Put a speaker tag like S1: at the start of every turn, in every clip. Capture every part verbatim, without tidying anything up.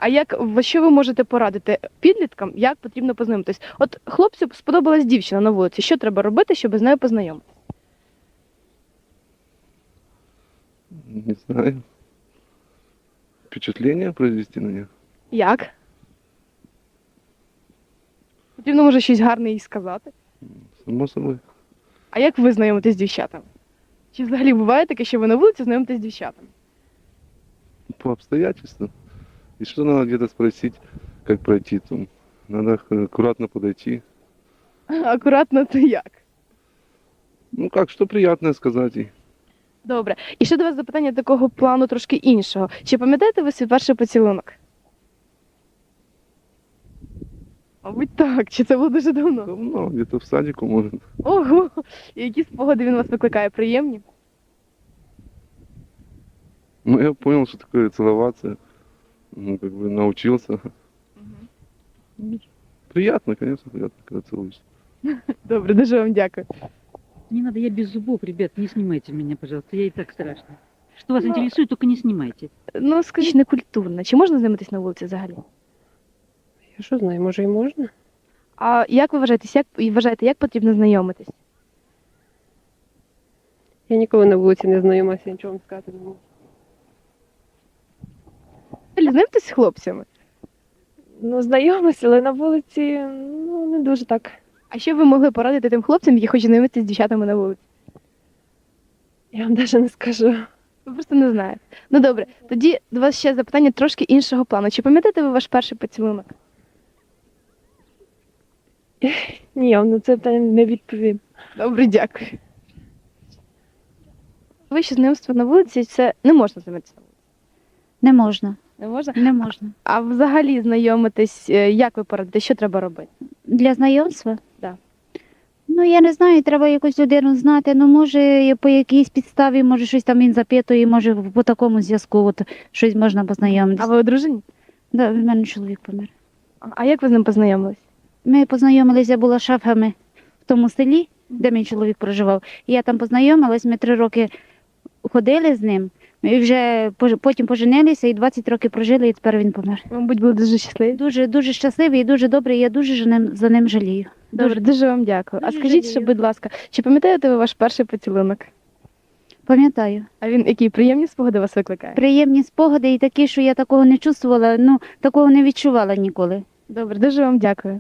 S1: А як в- що ви можете порадити підліткам, як потрібно познайомитись? От хлопцю сподобалась дівчина на вулиці. Що треба робити, щоб з нею познайомитись?
S2: Не знаю. Впечатление произвести на нее?
S1: Як? Потрібно, може, щось гарне їй сказати.
S2: Само собой.
S1: А як ви знайомитесь з дівчатами? Чи взагалі буває таке, що ви на вулиці знайомитесь з дівчатами?
S2: По обстоятельствам. И что надо где-то спросить, как пройти там. Надо аккуратно подойти.
S1: Акуратно, то як?
S2: Ну как, что приятное сказать ей.
S1: Добре. І ще до вас запитання такого плану трошки іншого. Чи пам'ятаєте ви свій перший поцілунок? Мабуть, так. Чи це було дуже давно?
S2: Давно, где-то в садику, может.
S1: Ого! І які спогади він вас викликає? Приємні?
S2: Ну, я понял, что такое целоваться. Ну, как бы научился. Приятно, конечно, приятно, когда целуешься.
S1: Добре, дуже вам дякую.
S3: Не надо, я без зубов, ребят, не снимайте меня, пожалуйста, я и так страшно. Что вас
S1: Ну,
S3: интересует, только не снимайте.
S1: Ну, скажіть, некультурно. Чи можна знайомитись на вулиці взагалі?
S4: Я що знаю, може і можна?
S1: А як ви вважаєте, як, і вважаєте, як потрібно знайомитись?
S4: Я ніколи на вулиці не знайомася, нічого вам сказати не можу.
S1: Ви знайомитесь з хлопцями?
S4: Ну, знайомася, але на вулиці, ну, не дуже так.
S1: А що ви могли порадити тим хлопцям, які хочуть знайомитися з дівчатами на вулиці?
S4: Я вам навіть не скажу.
S1: Ви просто не знаєте. Ну добре, тоді до вас ще запитання трошки іншого плану. Чи пам'ятаєте ви ваш перший поцілунок?
S4: Ні, я вам на це питання не відповім.
S1: Добре, дякую. Ви що знайомство на вулиці, це не можна знайомитися на вулиці.
S5: Не можна,
S1: Не можна?
S5: не можна.
S1: А взагалі знайомитись, е, як ви порадите, що треба робити?
S5: Для знайомства?
S1: Да.
S5: Ну, я не знаю, треба якусь людину знати. Ну, може, по якійсь підставі, може, щось там він запитує, може, по такому зв'язку, от, щось можна
S1: А
S5: познайомитися.
S1: ви одружені?
S5: Да, в мене чоловік помер.
S1: А а як ви з ним познайомились?
S5: Ми познайомилися, була шефами в тому селі, де мій чоловік проживав. І я там познайомилась, ми три роки ходили з ним, і вже пож- потім поженилися, і двадцять років прожили, і тепер він помер.
S1: Ви, мабуть, були дуже щасливі.
S5: Дуже, дуже щасливий і дуже добрий, я дуже за ним, за ним жалію.
S1: Добре, дуже вам дякую. А
S5: дуже
S1: скажіть ще,
S5: жалію.
S1: будь ласка, чи пам'ятаєте ви ваш перший поцілунок?
S5: Пам'ятаю.
S1: А він які приємні спогади вас викликає?
S5: Приємні спогади і такі, що я такого не чувствувала, ну, такого не відчувала ніколи.
S1: Добре, дуже вам дякую.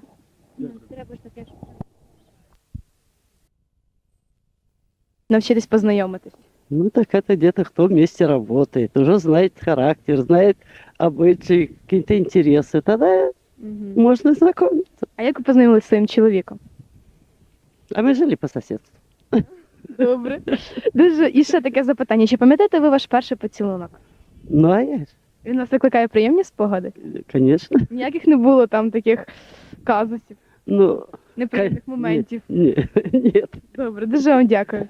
S1: Навчитись познайомитись.
S6: Ну так это где-то кто вместе работает, уже знает характер, знает обычаи, какие-то интересы. Тогда можно знакомиться.
S1: А як ви познайомилися зі своїм чоловіком?
S6: А мы жили по соседству.
S1: Добре. Дуже і ще таке запитання. Чи пам'ятаєте ви ваш перший поцілунок?
S6: Ну а я, ж,
S1: Він вас викликає приємні спогади?
S6: конечно.
S1: Ніяких не було там таких казусів,
S6: Ну,
S1: неприємних моментів.
S6: нет, нет.
S1: Добре, дуже вам дякую.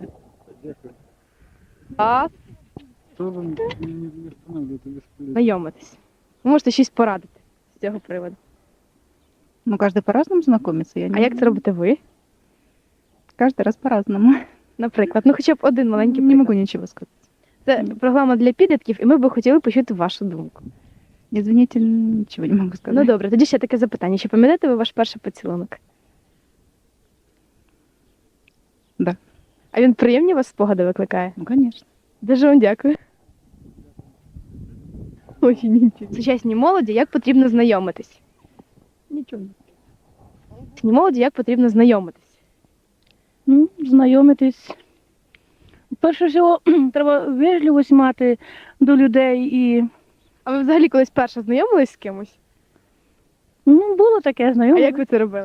S1: А знайомитись. Ви можете щось порадити з цього приводу.
S7: Ну, каждый по-разному знакомится. Я
S1: А
S7: не...
S1: як це робите ви?
S7: Каждый раз по-разному.
S1: Наприклад, ну хоча б один маленький
S7: Не
S1: приклад.
S7: могу ничего сказать.
S1: Це програма для підлітків, і ми би хотіли почути вашу думку.
S7: Извините, ничего не могу сказать.
S1: Ну добре, тоді ще таке запитання. Чи пам'ятаєте ви ваш перший поцілунок?
S7: Да.
S1: А він приємні вас спогади викликає?
S7: Ну, конечно.
S1: Дуже вам дякую. Ой, нічого. Сучасній молоді як потрібно знайомитись?
S7: Ничего.
S1: Сучасній молоді як потрібно знайомитись?
S8: Ну, знайомитись. Перше всього, треба вежливість мати до людей і
S1: А ви взагалі колись перше знайомились з кимось?
S8: ну, було таке
S1: А
S8: знайоме.
S1: як ви це робили?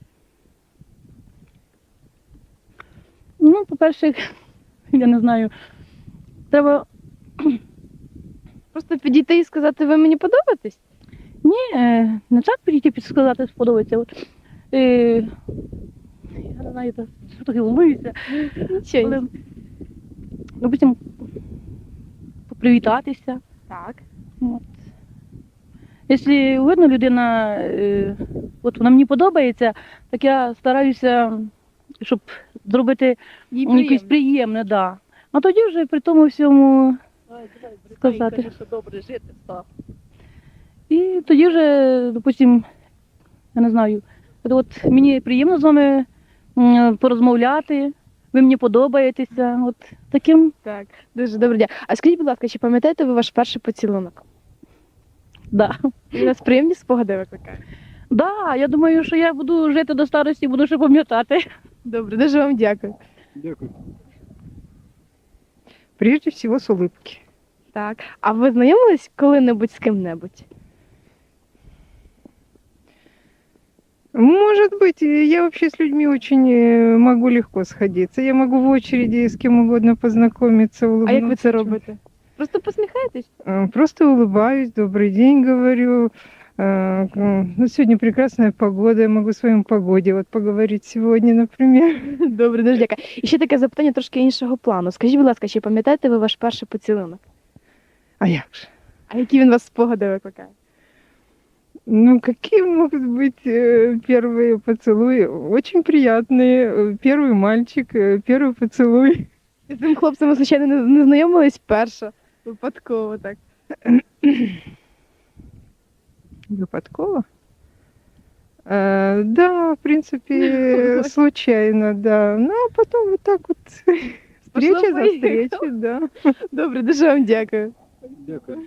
S8: Ну, по-перше, я не знаю, треба
S1: Просто підійти і сказати, ви мені подобаєтесь?
S8: ні, е, не так підійти підсказати, сподобається. От, е, я не знаю, та- що таке волнуюся.
S1: Нічого.
S8: Але, допустим, привітатися.
S1: Так.
S8: От. Якщо видно, людина, е, от вона мені подобається, так я стараюся, щоб зробити
S1: Їй
S8: якесь
S1: приємно.
S8: приємне, да. А тоді вже при тому всьому сказати.
S3: Добре жити став.
S8: І І тоді вже, допустим, я не знаю, от, от мені приємно з вами м, порозмовляти, ви мені подобаєтеся. От таким.
S1: Так, дуже добре. дя- А скажіть, будь ласка, чи пам'ятаєте ви ваш перший поцілунок?
S8: Да.
S1: Він у нас приємні спогади викликає.
S8: Да, я думаю, що я буду жити до старості, буду ще пам'ятати.
S1: Добре, дуже вам дякую.
S2: Дякую.
S7: Прежде всего с улыбки.
S1: Так. А ви знайомились коли-небудь з ким-небудь?
S7: Может быть, я вообще с людьми очень э, могу легко сходиться. Я могу в очереди с кем угодно познакомиться, улыбнуться.
S1: А як ви це робите? Просто посміхаєтесь?
S7: Э, Просто улыбаюсь, добрый день говорю. Э, м, Ну, сегодня прекрасная погода, я могу о своем погоде вот поговорить сегодня, например.
S1: Добре, дуже дякую. І ще таке запитання трошки іншого плану. Скажіть, будь ласка, чи пам'ятаєте ви ваш перший поцілунок?
S7: А як же?
S1: А які він у вас спогади викликає?
S7: Ну, какие могут быть э, первые поцелуи? Очень приятные. Э, Первый мальчик, э, первый поцелуй.
S1: І з цим хлопцем ви, звичайно, не, не знайомились перша, випадково так.
S7: Выпадково? Э, да, в принципе, случайно, да. Ну, а потом вот так вот встреча за
S1: поехало.
S7: встречей, да.
S1: Добре, дуже вам дякую.
S2: Дякую.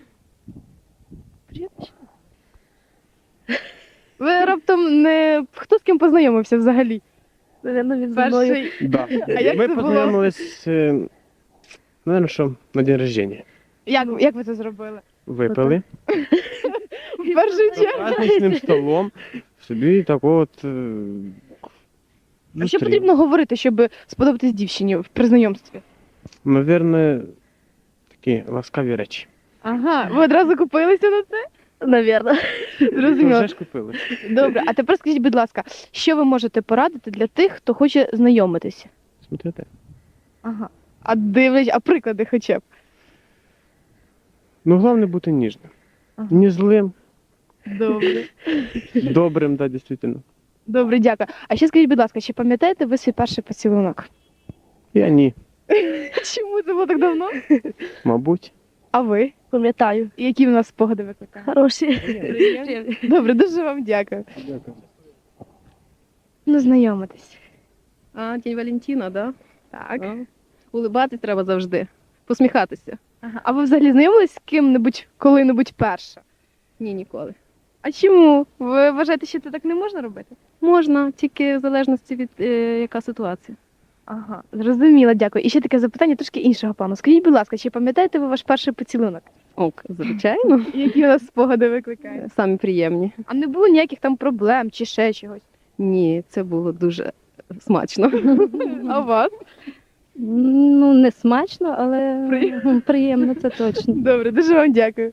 S1: Ви раптом не хто з ким познайомився взагалі?
S8: Наверно, він зі мною.
S1: Перший.
S9: Да.
S1: А як
S9: Ми
S1: це було?
S9: познайомились, е, наверно, що на день рождення.
S1: Як, як ви це зробили?
S9: Випили
S1: В першу
S9: за
S1: чергу.
S9: праздничним столом. Собі так от. е,
S1: А що
S9: зустріли.
S1: потрібно говорити, щоб сподобатись дівчині при знайомстві?
S9: Наверно, такі ласкаві речі.
S1: Ага, ви одразу купилися на це?
S8: Навірно.
S1: Зрозуміло.
S9: Вже ж купили.
S1: Добре, а тепер скажіть, будь ласка, що ви можете порадити для тих, хто хоче знайомитися?
S9: Смотрите.
S1: Ага. А дивлять, а приклади хоча б.
S9: Ну, головне бути ніжним.
S1: Ага.
S9: Не злим,
S1: Добре.
S9: добрим, да, дійсно.
S1: Добре, дякую. А ще скажіть, будь ласка, чи пам'ятаєте ви свій перший поцілунок?
S9: Я ні,
S1: Чому це було так давно?
S9: мабуть.
S1: А ви?
S8: Пам'ятаю.
S1: І які в нас спогади викликає?
S8: Хороші.
S1: Добре, дуже вам дякую.
S2: Дякую.
S1: Ну, знайомитись.
S10: А, День Валентина, да?
S1: Так.
S10: А. Улибатись треба завжди. Посміхатися.
S1: Ага. А ви взагалі знайомились з ким-небудь коли-небудь перше?
S10: Ні, ніколи.
S1: А чому? Ви вважаєте, що це так не можна робити?
S10: Можна, тільки в залежності від е, яка ситуація.
S1: Ага, зрозуміла, дякую. І ще таке запитання трошки іншого плану. Скажіть, будь ласка, чи пам'ятаєте ви ваш перший поцілунок?
S10: Ок, звичайно.
S1: І які у нас спогади викликає?
S10: Самі приємні.
S1: А не було ніяких там проблем чи ще чогось?
S10: Ні, це було дуже смачно.
S1: А у вас?
S10: Ну, не смачно, але
S1: Приємно.
S10: приємно, це точно.
S1: Добре, дуже вам дякую.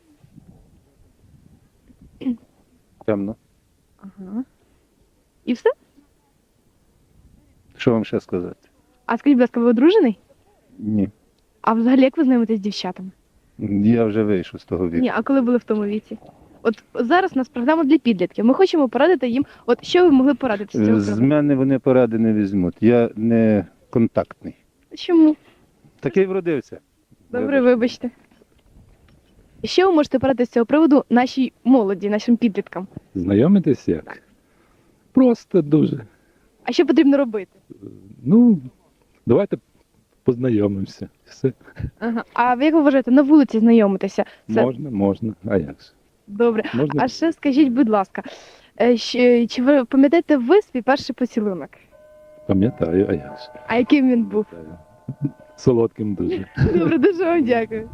S11: Темно.
S1: Ага. І все?
S11: Що вам ще сказати?
S1: А скажіть, будь ласка, ви одружений?
S11: Ні.
S1: А взагалі як ви знайомитесь з дівчатами?
S11: Я вже вийшов з того віку.
S1: Ні, а коли були в тому віці? От зараз у нас програма для підлітків. Ми хочемо порадити їм, от що ви могли порадити з цього
S11: З
S1: приводу?
S11: мене вони поради не візьмуть. Я не контактний.
S1: Чому?
S11: Такий вродився.
S1: Добре, вибачте. І що ви можете порадити з цього приводу нашій молоді, нашим підліткам?
S12: Знайомитись як? Просто дуже.
S1: А що потрібно робити?
S12: Ну, давайте познайомимося. Все.
S1: Ага. А ви як ви вважаєте, на вулиці знайомитися? Це
S12: Можна, можна. А як же?
S1: добре.
S12: Можна?
S1: А ще скажіть, будь ласка, е, щ- чи ви пам'ятаєте ви свій перший поцілунок?
S12: Пам'ятаю, а як же?
S1: А яким він був?
S12: Солодким дуже.
S1: Добре, дуже вам дякую.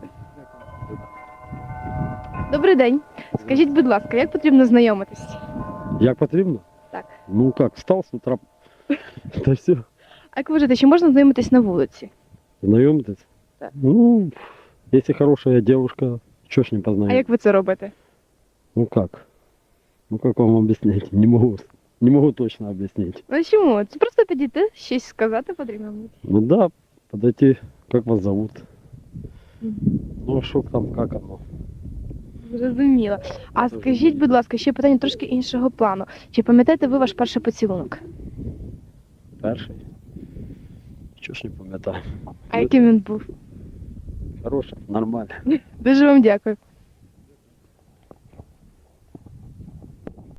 S1: Добрий день. Скажіть, будь ласка, як потрібно знайомитись?
S13: Як потрібно?
S1: Так.
S13: Ну как, встал с утра, та все,
S1: А як ви вважаєте, чи можна знайомитись на вулиці?
S13: знайомитись.
S1: Так.
S13: Ну, если хорошая девушка, что ж не
S1: А
S13: познакомить?
S1: як ви це робите?
S13: Ну как? Ну как вам объяснить? Не могу, не могу точно объяснить.
S1: Ну чому? Це просто підійти, щось сказати потрібно.
S13: Ну да, подойти, как вас зовут? Ну а что там, как оно?
S1: Зрозуміло. А скажіть, будь ласка, ще питання трошки іншого плану. Чи пам'ятаєте ви ваш перший поцілунок?
S13: Перший? Что ж не пам'ятаю.
S1: А яким він був?
S13: Хороший, нормально.
S1: Дуже вам дякую.